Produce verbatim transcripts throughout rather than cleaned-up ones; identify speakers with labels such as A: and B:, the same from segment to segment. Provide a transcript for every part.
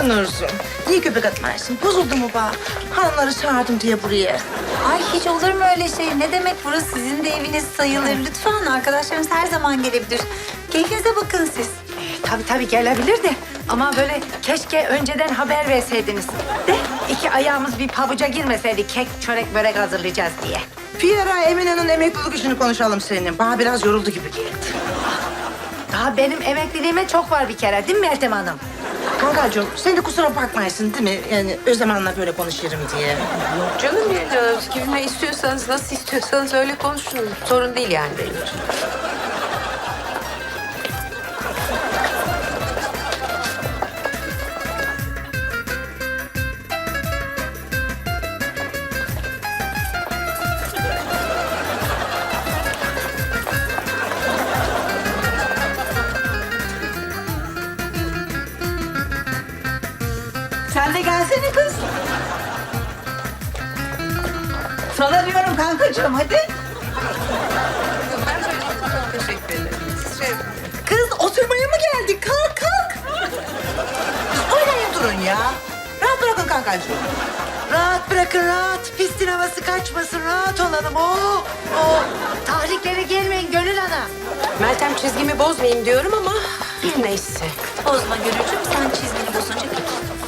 A: Nurzum. Niye göbek atmarsın? Bozuldu mu bana? Hanımları çağırdım diye buraya.
B: Ay hiç olur mu öyle şey? Ne demek, burası sizin de eviniz sayılır. Lütfen, arkadaşlarınız her zaman gelebilir. Keyfinize bakın siz.
C: Tabii tabii gelebilir de ama böyle keşke önceden haber verseydiniz. De iki ayağımız bir pabuca girmeseydi kek, çörek, börek hazırlayacağız diye.
A: Bir ara Emine'nin emeklilik işini konuşalım seninle. Bana biraz yoruldu gibi geldi.
C: Daha benim emekliliğime çok var bir kere değil mi Meltem Hanım?
A: Kankacığım sen de kusura bakmaysın değil mi? Yani Özlem'le böyle konuşurum diye.
D: Canım ya, kiminle istiyorsanız, nasıl istiyorsanız öyle konuşun. Sorun değil yani benim için.
E: Sen de gelsene kız. Sana diyorum kankacığım, hadi.
D: Ben böyle teşekkür ederim. Siz şey...
A: Kız oturmaya mı geldik? Kalk kalk. Kız oynayın durun ya. Rahat bırakın kankacığım. Rahat bırakın rahat. Pistin havası kaçmasın. Rahat olalım. Oo, oo.
C: Tahriklere gelmeyin Gönül Ana.
D: Meltem çizgimi bozmayayım diyorum ama neyse.
B: Bozma Gönülcüm, sen çizgini bozunca git.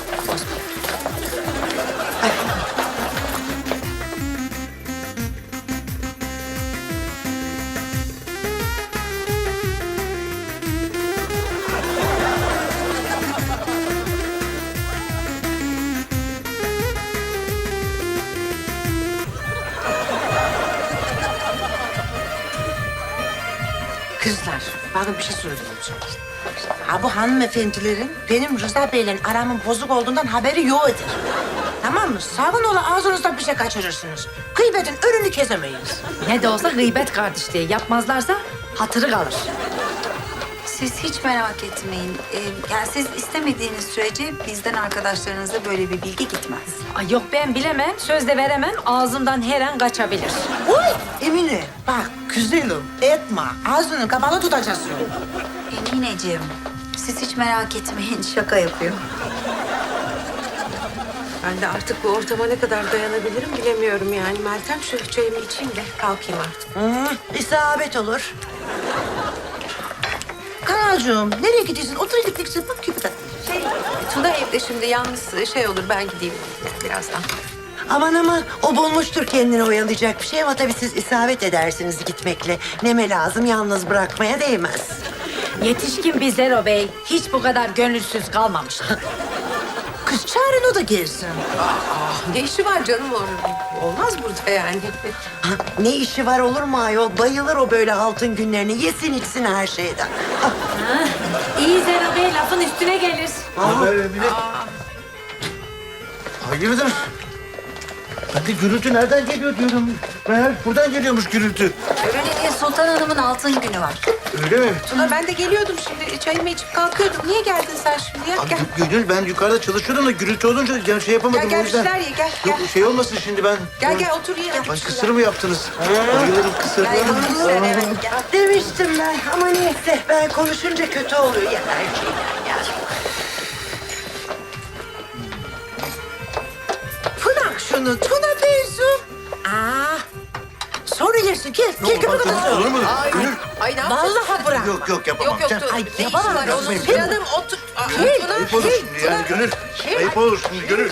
A: Kızlar, bakın bir şey söyleyeceğim. Ha bu hanımefendilerin benim Rıza Bey'le aramın bozuk olduğundan haberi yoktur. Tamam mı? Sakın ola ağzınızdan bir şey kaçırırsınız. Gıybetin önünü kesemeyiz.
C: Ne de olsa gıybet kardeşliği yapmazlarsa hatırı kalır.
B: Siz hiç merak etmeyin. Ee, yani siz istemediğiniz sürece bizden arkadaşlarınıza böyle bir bilgi gitmez.
C: Ay yok ben bilemem, söz de veremem, ağzımdan her an kaçabilir.
A: Uy Emine, bak güzelim etme. Ağzını kapalı tutacaksın.
B: Emineciğim, siz hiç merak etmeyin. Şaka yapıyor.
D: Ben de artık bu ortama ne kadar dayanabilirim bilemiyorum yani. Meltem şu çayımı içeyim de kalkayım artık.
A: Hı, isabet olur. Kanacığım, nereye gidiyorsun? Otur gideceksin. Bak gibi tatlı.
D: Şey, Tuna evde şimdi yalnız şey olur, ben gideyim birazdan.
F: Aman aman o bulmuştur kendini oyalayacak bir şey ama tabii siz isabet edersiniz gitmekle. Neme lazım yalnız bırakmaya değmez.
C: Yetişkin bir Zero Bey hiç bu kadar gönülsüz kalmamıştı.
A: Kız çağırın o da gelsin.
D: Ne işi var canım orada? Olmaz burada yani.
F: Ha, ne işi var olur mu ayol? Bayılır o böyle altın günlerini. Yesin içsin her şeyden. Ah,
C: İyi Zero Bey lafın üstüne gelir.
G: Haber Emine. Hayırdır? Ben de gürültü nereden geliyor diyorum. Meğer buradan geliyormuş gürültü.
B: Öyle değil, Sultan Hanım'ın altın günü var.
G: Öyle mi?
D: Tuna ben de geliyordum şimdi. Çayımı içip kalkıyordum. Niye geldin sen şimdi ya?
G: Abi,
D: Gel.
G: Gönül ben yukarıda çalışıyordum da gürültü olunca yani şey yapamadım
D: Gel gel
G: o
D: bir
G: yüzden.
D: şeyler ye gel.
G: Yok
D: Gel
G: şey olmasın şimdi ben.
D: gel, gel otur ye.
G: Ay kısır mı yaptınız? Bayılırım kısır.
D: Gel yapmışlar evet gel.
F: demiştim ben ama neyse ben konuşunca kötü oluyor ya her şeyden ya.
A: Bırak şunu Tuna teyzem. Aa, sonra yersin. Gel, gel köpek adamı.
G: Olur mu?
D: Ay,
G: Gönül.
D: ay ne yapacağız?
A: Vallahi bırak.
G: Yok yok yapamam.
D: Yok yok
G: Sen-
D: dur.
A: Ay,
D: Ne
A: yapamam.
D: işi var onun?
G: Yapmayın.
D: Canım otur. Aa,
A: Hey,
D: Tuna,
G: Ayıp olur
D: hey,
G: şimdi
D: Tuna.
G: yani Gönül. Ayıp olur şimdi Gönül.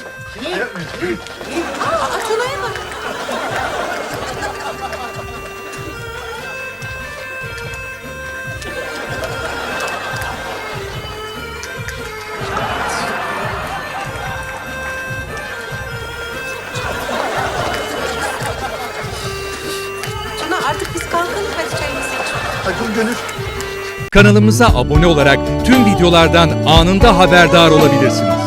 D: Aa, Tuna'ya bak. Tuna artık biz kalkalım. Hadi çayımızı içelim.
G: Hadi Gönül.
H: Kanalımıza abone olarak tüm videolardan anında haberdar olabilirsiniz.